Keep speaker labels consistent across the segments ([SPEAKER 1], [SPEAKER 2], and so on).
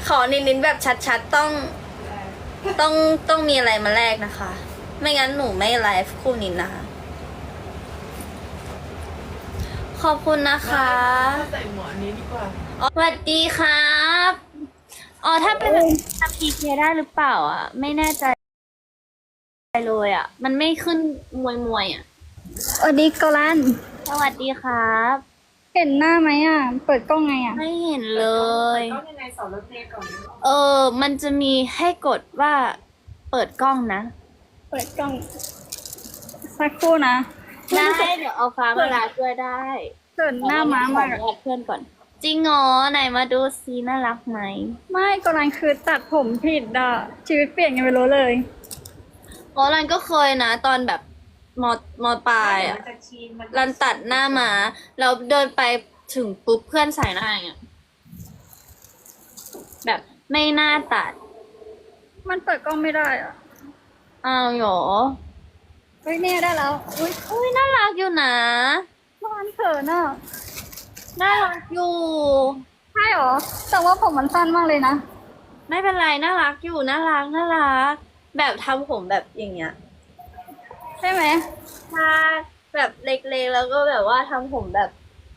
[SPEAKER 1] ขอนินแบบชัดๆต้องมีอะไรมาแลกนะคะ ไม่งั้นหนูไม่ไลฟ์คู่นินนะคะ ขอบคุณนะคะ
[SPEAKER 2] ใส่หมวกอันนี้ดีกว่า
[SPEAKER 1] สวัสดีครับอ๋อถ้าเป็นทำ PK ได้หรือเปล่าอ่ะ ไม่แน่ใจเลยอ่ะ มันไม่ขึ้นมวยอ่ะ
[SPEAKER 3] สวัสดีโกลัน
[SPEAKER 1] สวัสดีครับ
[SPEAKER 3] เห็นหน้าไหมอ่ะ เปิดกล้องไงอ่ะ
[SPEAKER 1] ไม่เห็นเลย
[SPEAKER 2] ต้องยังไงสอนรถเมล์ก่อน
[SPEAKER 1] มันจะมีให้กดว่าเปิดกล้องนะ
[SPEAKER 3] เปิดกล้อง สักครู่นะ
[SPEAKER 1] ได้ เดี๋ยวเอาฟ้ามาลาช่วยได้
[SPEAKER 3] เปิดหน้าม้า
[SPEAKER 1] ขอ
[SPEAKER 3] มา
[SPEAKER 1] อนุญาตเพื่อนก่อน จริงเหรอไหนมาดูซีน่ารักไหม
[SPEAKER 3] ไม่โกลันคือตัดผมผิดอ่ะ ชีวิตเปลี่ยนยังไม่รู้เลย
[SPEAKER 1] อ๋อรันก็เคยนะ ตอนแบบมปลายอ่ะ
[SPEAKER 2] มันจะชีนมัน
[SPEAKER 1] รันตัดหน้ามาแล้วเดินไปถึงปุ๊บเพื่อนใส่หน้าอย่างเงี้ยแบบไม่น่าตัด
[SPEAKER 3] มันเปิดกล้องไม่ได้อ่ะ
[SPEAKER 1] อ้าวเหรอ
[SPEAKER 3] เฮ้ยเนี่ยได้แล้ว อุ้ย
[SPEAKER 1] อุ้ยน่ารักอยู่นะ
[SPEAKER 3] โกลันเขินอ่ะ
[SPEAKER 1] น่ารักอยู่
[SPEAKER 3] ใช่หรอ แต่ว่าผมมันสั้นมากเลยนะ
[SPEAKER 1] ไม่เป็นไรน่ารักอยู่น่ารักน่ารัก แบบทำผมแบบอย่างเงี้ย
[SPEAKER 3] ใช่ไหม
[SPEAKER 1] ถ้าแบบเล็กๆแล้วก็แบบว่าทำผมแบบ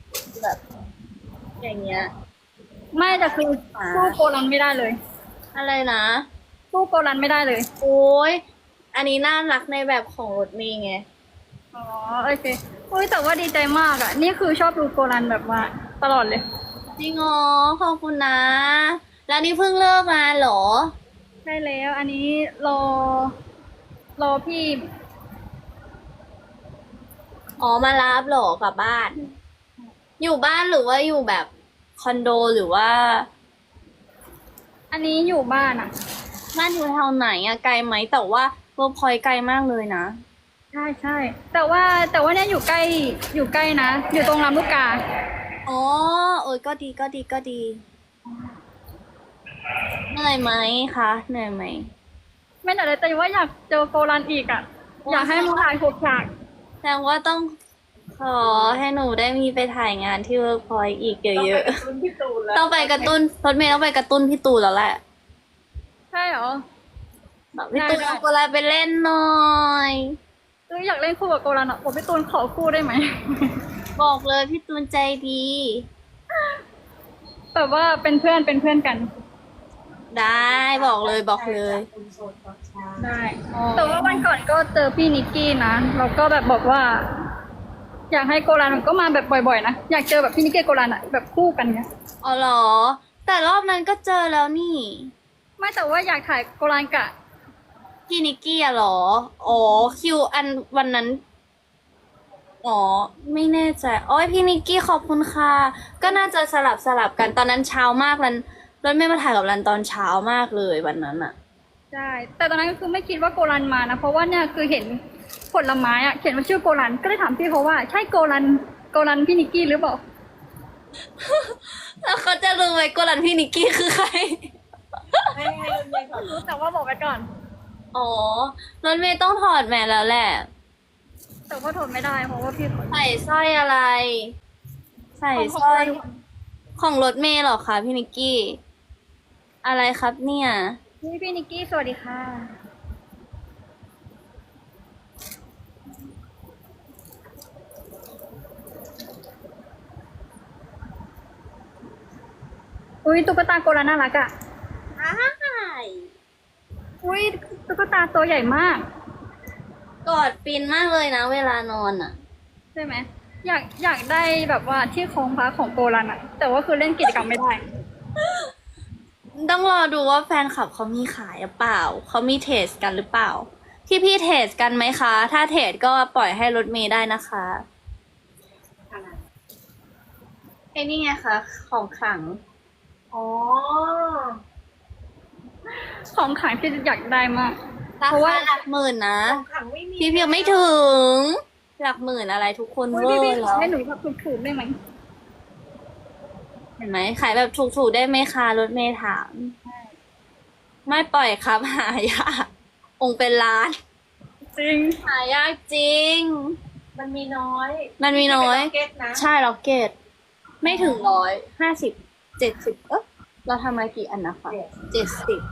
[SPEAKER 1] อย่างเงี้ย
[SPEAKER 3] ไม่แต่คือสู้โกลันไม่ได้เลย
[SPEAKER 1] อะไรนะ
[SPEAKER 3] สู้โกลันไม่ได้เลย
[SPEAKER 1] โอ้ยอันนี้น่ารักในแบบของรถเมย์ไง
[SPEAKER 3] อ๋อโอเคอุ้ยแต่ว่าดีใจมากอ่ะ นี่คือชอบดูโกลันแบบว่าตลอดเลย
[SPEAKER 1] จริงอ๋อขอบคุณนะ แล้วนี่เพิ่งเลิกมาเหรอ
[SPEAKER 3] ใช่แล้ว อันนี้รอพี่
[SPEAKER 1] อ๋อมารับเหรอกลับบ้าน อยู่บ้านหรือว่าอยู่แบบคอนโดหรือว่า
[SPEAKER 3] อันนี้อยู่บ้านอ่ะ
[SPEAKER 1] บ้านอยู่แถวไหนอะไกลไหมแต่ว่าเวิร์กพอยต์ไกลมากเลยนะ
[SPEAKER 3] ใช่ใช่แต่ว่าเนี่ยอยู่ใกล้นะ อยู่ตรงลำลูกกา
[SPEAKER 1] อ๋อเออก็ดีก็ดีก็ดีเหนื่อยไหมคะเหนื่อยไหม
[SPEAKER 3] ไม่แต่เลยแต่ว่าอยากเจอโกลันอีกอ่ะ อยากให้มาถ่ายหกฉาก
[SPEAKER 1] แสดงว่าต้องขอให้หนูได้มีไปถ่ายงานที่เวิร์กพอยต์อีกเยอะ
[SPEAKER 2] รุ่นพี่ตูนแล้ว
[SPEAKER 1] ๆต้องไปกระตุ้นรถเมย์ต้องไปกระตุ้นพี่ตูนแล้วแหละ
[SPEAKER 3] ใช่เหรอ
[SPEAKER 1] แบบพี่ตูน
[SPEAKER 3] ได้
[SPEAKER 1] เอาอะไรไปเล่นหน่อย
[SPEAKER 3] อยากเล่นคู่กับโกลันอ่ะผมพี่ตูนขอคู่ได้ไหม
[SPEAKER 1] บอกเลยพี่ตูนใจดี
[SPEAKER 3] แบบว่าเป็นเพื่อนกัน
[SPEAKER 1] ได้บอกเลยบอกเลย
[SPEAKER 2] คุณโสดตอนเช้า
[SPEAKER 3] ได้ แต่ว่าวันก่อนก็เจอพี่นิกกี้นะเราก็แบบบอกว่า อยากให้โกลันก็มาแบบบ่อยๆนะ อยากเจอแบบพี่นิกกี้โกลันอ่ะแบบคู่กันเนี้ย
[SPEAKER 1] อ๋อเหรอ แต่รอบนั้นก็เจอแล้วนี่
[SPEAKER 3] ไม่แต่ว่าอยากถ่ายโกลันกะ
[SPEAKER 1] พี่นิกกี้อะเหรอ อ๋อคิวอันวันนั้น อ๋อ ไม่แน่ใจโอ้ยพี่นิกกี้ขอบคุณค่ะ ก็น่าจะสลับกันตอนนั้นเช้ามากรันรถไม่มาถ่ายกับรันตอนเช้ามากเลยวันนั้นอะ
[SPEAKER 3] ใช่ แต่ตอนนั้นก็คือไม่คิดว่าโกลันมานะ เพราะว่าเนี่ยคือเห็นผลไม้อะเขียนว่าชื่อโกลัน ก็เลยถามพี่เขาว่าใช่โกลันพี่นิกกี้หรือเปล่า
[SPEAKER 1] แล้วเขาจะรู้ไหมกรันพี่นิกกี้คือใคร
[SPEAKER 2] ให้รถเมล์ก่อน
[SPEAKER 3] รู้แต่ว่าบอกไปก่อน
[SPEAKER 1] อ๋อรถเมย์ต้องถอดแมสแล้วแหละ
[SPEAKER 3] แต่ว่าทนไม่ได้เพราะว่าพี่เขา
[SPEAKER 1] ใส่สร้อยอะไร ใส่สร้อยของรถเมย์เหรอคะพี่นิกกี้ อะไรครับเนี่ย
[SPEAKER 3] พี่นิกกี้สวัสดีค่ะ อุ้ยตุ๊กตาโกลันน่ารักอะ
[SPEAKER 1] ใช่
[SPEAKER 3] อุ้ยตุ๊กตาตัวใหญ่มาก
[SPEAKER 1] กอดฟินมากเลยนะเวลานอนอ่ะ
[SPEAKER 3] ใช่ไหมอยากได้แบบว่าที่โครงพระของโกลันอะแต่ว่าคือเล่นกิจกรรมไม่ได้
[SPEAKER 1] ต้องรอดูว่าแฟนคลับเขามีขายหรือเปล่า เขามีเทสกันหรือเปล่า พี่เทสกันไหมคะ ถ้าเทสก็ปล่อยให้รถเมย์ได้นะคะไอ้นี่ไงคะ ของขลัง
[SPEAKER 2] อ๋อ
[SPEAKER 3] ของขายพี่อยากได้มาก
[SPEAKER 1] รา
[SPEAKER 3] เพราะว่า
[SPEAKER 1] คาหลักหมื่นนะ
[SPEAKER 2] ของขังไม่มี
[SPEAKER 1] พี่เพียงไม่ถึง หลักหมื่นอะไรทุกคน
[SPEAKER 3] อุ้ย
[SPEAKER 1] เวอ
[SPEAKER 3] พี่
[SPEAKER 1] ร์
[SPEAKER 3] ขอ
[SPEAKER 1] แล้ว
[SPEAKER 3] ให้หนูแบบถูกๆได้ไหม
[SPEAKER 1] เห็นไหมขายแบบถูกๆได้ไหมคะรถเมย์ถาม ไม่ปล่อยครับ หายากองค์เป็นล้าน
[SPEAKER 3] จริง
[SPEAKER 1] หายากจริง
[SPEAKER 2] มันมีน้อย
[SPEAKER 1] มันมีน้อย
[SPEAKER 2] เก็ตนะ
[SPEAKER 1] ใช่ล็อกเก็ตไม่ถึง150 70 เราทำมากี่อันนะคะ70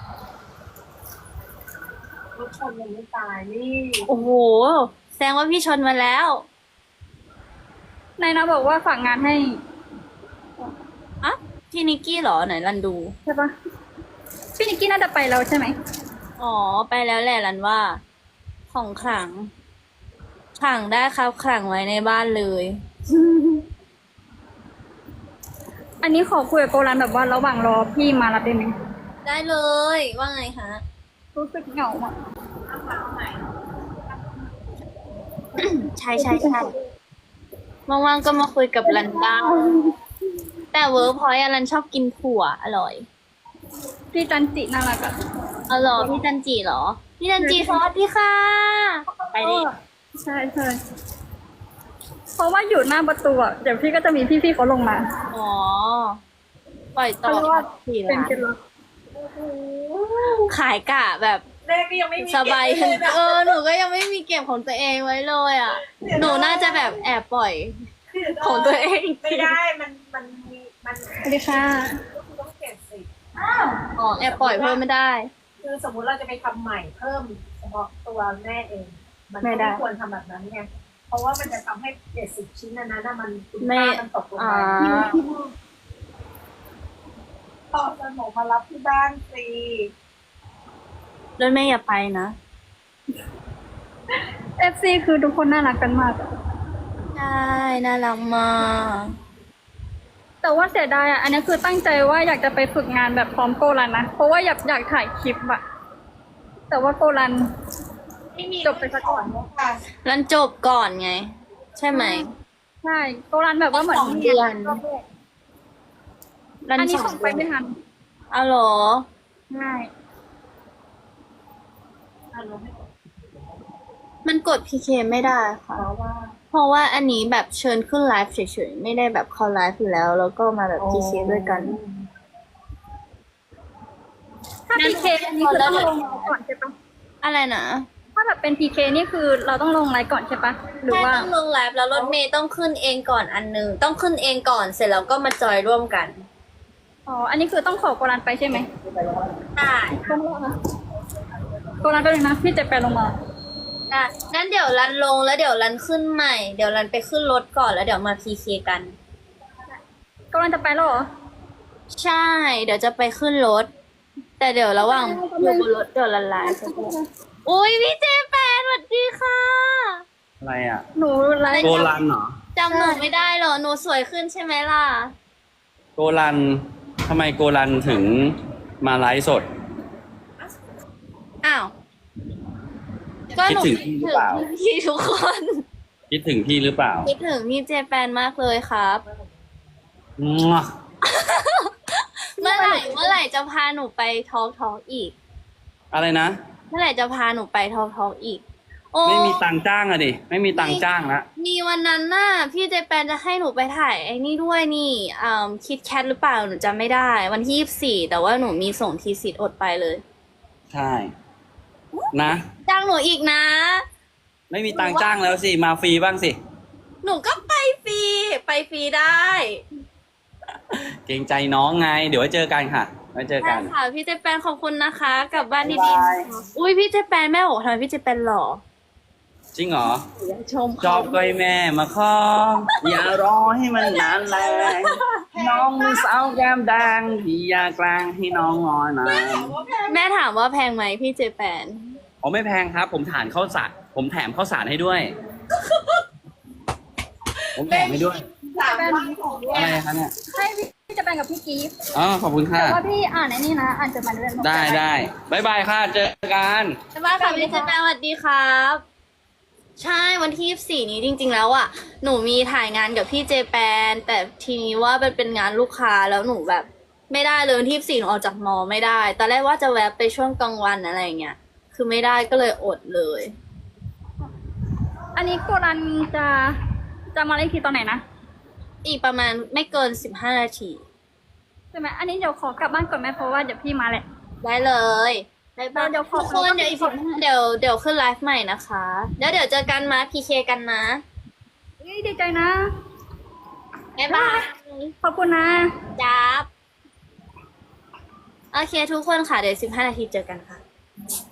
[SPEAKER 2] รถชนยังไม่ตายนี่
[SPEAKER 1] โอ้โห แสดงว่าพี่ชนมาแล้ว
[SPEAKER 3] นายนะบอกว่าฝากงานให้
[SPEAKER 1] อ่ะ พี่นิกกี้เหรอไหนรันดู
[SPEAKER 3] ใช่ปะพี่นิกกี้น่าจะไปแล้วใช่ไหม
[SPEAKER 1] อ๋อ ไปแล้วแหละรันว่า ของขลังขลังได้ครับขลังไว้ในบ้านเลย
[SPEAKER 3] อันนี้ขอคุยกับโกลันแบบว่าระหว่างรอพี่มารับได้ไหม
[SPEAKER 1] ได้เลย ว่าไงคะ
[SPEAKER 3] รู้สึกเหงาอ่ะ
[SPEAKER 1] ใช่ใช่ใช่ว่างๆก็มาคุยกับรันได้แต่เวิร์กพอยต์รันชอบกินถั่วอร่อย
[SPEAKER 3] พี่จันจิน่ารักอ่ะ
[SPEAKER 1] อ๋อเหรอพี่จันจีเหรอ พี่จันจีสวัสดีค่ะ ไปดิ
[SPEAKER 3] ใช่ใช่เพราะว่าอยู่หน้าประตูอ่ะเดี๋ยวพี่ก็จะมีพี่ๆเขาลงมา
[SPEAKER 1] อ๋อ ปล่อยต่อ
[SPEAKER 3] เขาเรียกว่า
[SPEAKER 1] สี่
[SPEAKER 3] เป็น
[SPEAKER 1] ล้าน
[SPEAKER 3] เคล็ดลับ
[SPEAKER 1] ขายกะแบบ
[SPEAKER 2] เลขก็ยังไม่มี
[SPEAKER 1] สบาย
[SPEAKER 2] เก็เลยนะ
[SPEAKER 1] หนูก็ยังไม่มีเก็บของตัวเองไว้เลยอ่ะ หนูน่าจะแบบแอบปล่อย ของตัวเอง
[SPEAKER 2] ไม่ได้ มันมีมัน
[SPEAKER 3] สวัสดีค่ะ
[SPEAKER 2] ต้องเก็บสิ
[SPEAKER 1] อ๋อแอบปล่อยเพิ่มไม่ได้
[SPEAKER 2] คือสมมุติเราจะไปทำใหม่เพิ่มเฉพาะตัวแม่เอง มัน
[SPEAKER 1] ไม่
[SPEAKER 2] ก็
[SPEAKER 1] ได้
[SPEAKER 2] ไม่ควรทำแบบนั้นไง เพราะว่ามันจะทำให้70 ชิ้นนั้นน่ะมันคุณ
[SPEAKER 1] ไม่
[SPEAKER 2] ค่ามันตกลง
[SPEAKER 1] อ่า
[SPEAKER 2] ไปตอนสมองมารับที่บ้านสิ
[SPEAKER 1] รถแม่อย่าไปนะ
[SPEAKER 3] FC คือทุกคนน่ารักกันมากอะ
[SPEAKER 1] ใช่ น่ารักมาก
[SPEAKER 3] แต่ว่าเสียดายอ่ะ อันนี้คือตั้งใจว่าอยากจะไปฝึกงานแบบพร้อมโกลันนะ เพราะว่าอยากถ่ายคลิปอะแต่ว่าโกลัน
[SPEAKER 2] ไม่มี
[SPEAKER 3] จบไปซะก่อน
[SPEAKER 2] ค่ะ
[SPEAKER 1] รันจบก่อนไง ใช่ไหม
[SPEAKER 3] ใช่โกลันแบบว่าเหมือน
[SPEAKER 1] สองเดือน รัน
[SPEAKER 3] อันนี้
[SPEAKER 1] ส
[SPEAKER 3] ส่งไปไม่ทัน
[SPEAKER 1] อ๋อเหรอ
[SPEAKER 3] ใช่
[SPEAKER 1] มันกด PK ไม่ได้ค่ะ
[SPEAKER 2] เพราะว่า
[SPEAKER 1] เพราะว่าอันนี้แบบเชิญขึ้นไลฟ์เฉยๆ ไม่ได้แบบเข้าไลฟ์อยู่แล้ว แล้วก็มาแบบ PK ด้วยกัน
[SPEAKER 3] ถ้า PK อันนี้คือต้องลงไลน์ก่อนใช่ปะ
[SPEAKER 1] อะไรนะ
[SPEAKER 3] ถ้าแบบเป็น PK นี่คือเราต้องลงไลน์ก่อนใช่ปะหรือ
[SPEAKER 1] ใช่
[SPEAKER 3] ว่า
[SPEAKER 1] ต้องลงไลฟ์แล้วรถเมย์ต้องขึ้นเองก่อนอันนึง ต้องขึ้นเองก่อนเสร็จแล้วก็มาจอยร่วมกัน
[SPEAKER 3] อ๋อ อันนี้คือต้องขอโกลันไปใช่ไหม
[SPEAKER 1] ใช่
[SPEAKER 3] ต้องรอนะโกลันไปเลยนะ พี่จะไปลงมา
[SPEAKER 1] ได้งั้นเดี๋ยวรันลงแล้วเดี๋ยวรันขึ้นใหม่ เดี๋ยวรันไปขึ้นรถก่อนแล้วเดี๋ยวมา PK กัน
[SPEAKER 3] โกลันจะไปแล้วเหรอ
[SPEAKER 1] ใช่ เดี๋ยวจะไปขึ้นรถ แต่เดี๋ยวระหว่างอยู่บนรถเดี๋ยวรันไลฟ์อุ้ยพี่เจแปนสวัสดีค่ะ
[SPEAKER 4] อะไรอ่ะ
[SPEAKER 3] หนูไลฟ์
[SPEAKER 4] โกลันเหรอ
[SPEAKER 1] จำหนูไม่ได้เหรอ หนูสวยขึ้นใช่ไหมล่ะ
[SPEAKER 4] โกลันทำไมโกลันถึงมาไลฟ์สด
[SPEAKER 1] อ้าว ก็หนู
[SPEAKER 4] คิดถึงพี่หรือเปล่า
[SPEAKER 1] พี่ทุกคน
[SPEAKER 4] คิดถึงพี่หรือเปล่า
[SPEAKER 1] คิดถึงพี่เจแปนมากเลยครับ
[SPEAKER 4] มั่ว
[SPEAKER 1] เมื่อไหร่จะพาหนูไปทอล์กอีก
[SPEAKER 4] อะไรนะ
[SPEAKER 1] เมื่อไหร่จะพาหนูไปทอล์กอีก โอ้
[SPEAKER 4] ไม่มีตังค์จ้างอะดิ ไม่มีตังค์จ้างละ
[SPEAKER 1] มีวันนั้นน่ะ พี่เจแปนจะให้หนูไปถ่ายไอ้นี่ด้วยนี่คิดแคทหรือเปล่าหนูจำไม่ได้ วันที่24แต่ว่าหนูมีส่งทีสิทธิ์อดไปเลย
[SPEAKER 4] ใช่ นะ
[SPEAKER 1] จ้างหนูอีกนะ
[SPEAKER 4] ไม่มีตังค์จ้างแล้วสิ มาฟรีบ้างสิ
[SPEAKER 1] หนูก็ไปฟรีได้
[SPEAKER 4] เกรงใจน้องไง เดี๋ยวไว้เจอกันค่ะ ไว้เจอ
[SPEAKER 1] ได้
[SPEAKER 4] กัน
[SPEAKER 1] ค่ะพี่เจแปนขอบคุณนะคะกลับบ้าน
[SPEAKER 4] บ๊า
[SPEAKER 1] ดี
[SPEAKER 4] ยบาย
[SPEAKER 1] ๆอุ้ยพี่เจแปนแม่บอกทำไมพี่เจแปนหล่อ
[SPEAKER 4] จริงเหรอ
[SPEAKER 1] ชม
[SPEAKER 4] จ
[SPEAKER 1] เขา
[SPEAKER 4] อบก้อยแม่มาขออย่ารอให้มันนานแรงน้องมือสาวแก้มแดงพี่อยากแกล้งให้น้องงอยหน่อย
[SPEAKER 1] แม่ถามว่าแพงไหมพี่เจแปน
[SPEAKER 4] อ๋อไม่แพงครับ ผมถานข้าวสารผมแถมข้าวสารให้ด้วย ผมแถมให้ด้วย
[SPEAKER 3] เป็น
[SPEAKER 4] อะไรครับเนี่ย
[SPEAKER 3] ให้พี่จะไปกับพี่กีฟ
[SPEAKER 4] อ๋อขอบคุณค่ะ
[SPEAKER 3] แต่ว่าพี่อ่านไอ้นี่นะ อ่านจดหมายเรียน
[SPEAKER 4] ได้บายบายค่ะ เจอกัน
[SPEAKER 1] บ๊ายบายค่ะพี่เจแปนสวัสดีครับ ใช่วันที่24นี้จริง ๆ แล้วอ่ะหนูมีถ่ายงานกับพี่เจแปนแต่ทีนี้ว่ามันเป็นงานลูกค้าแล้วหนูแบบ ไม่ได้เลยวันที่24หนูออกจากมอไม่ได้ตอนแรกว่าจะแวะไปช่วงกลางวันอะไรอย่างเงี้ยคือไม่ได้ก็เลยอดเลย
[SPEAKER 3] อันนี้โกลันจะมาเล่นทีตอนไหนนะ
[SPEAKER 1] อีกประมาณไม่เกิน15 นาที
[SPEAKER 3] ใช่ไหมอันนี้เดี๋ยวขอกลับบ้านก่อนไหมเพราะว่าเดี๋ยวพี่มาแหละ
[SPEAKER 1] ได้เลยบ๊ายบาย
[SPEAKER 3] เดี๋ยวขอ
[SPEAKER 1] ทุกคนเดี๋ยวอีก15เดี๋ยวขึ้นไลฟ์ใหม่นะคะแล้วเดี๋ยวเจอกันมาพีเคกันนะ
[SPEAKER 3] เฮ้ยดีใจนะ
[SPEAKER 1] บ๊ายบาย
[SPEAKER 3] ขอบคุณนะ
[SPEAKER 1] จับโอเคทุกคนค่ะ เดี๋ยว15 นาทีเจอกันค่ะ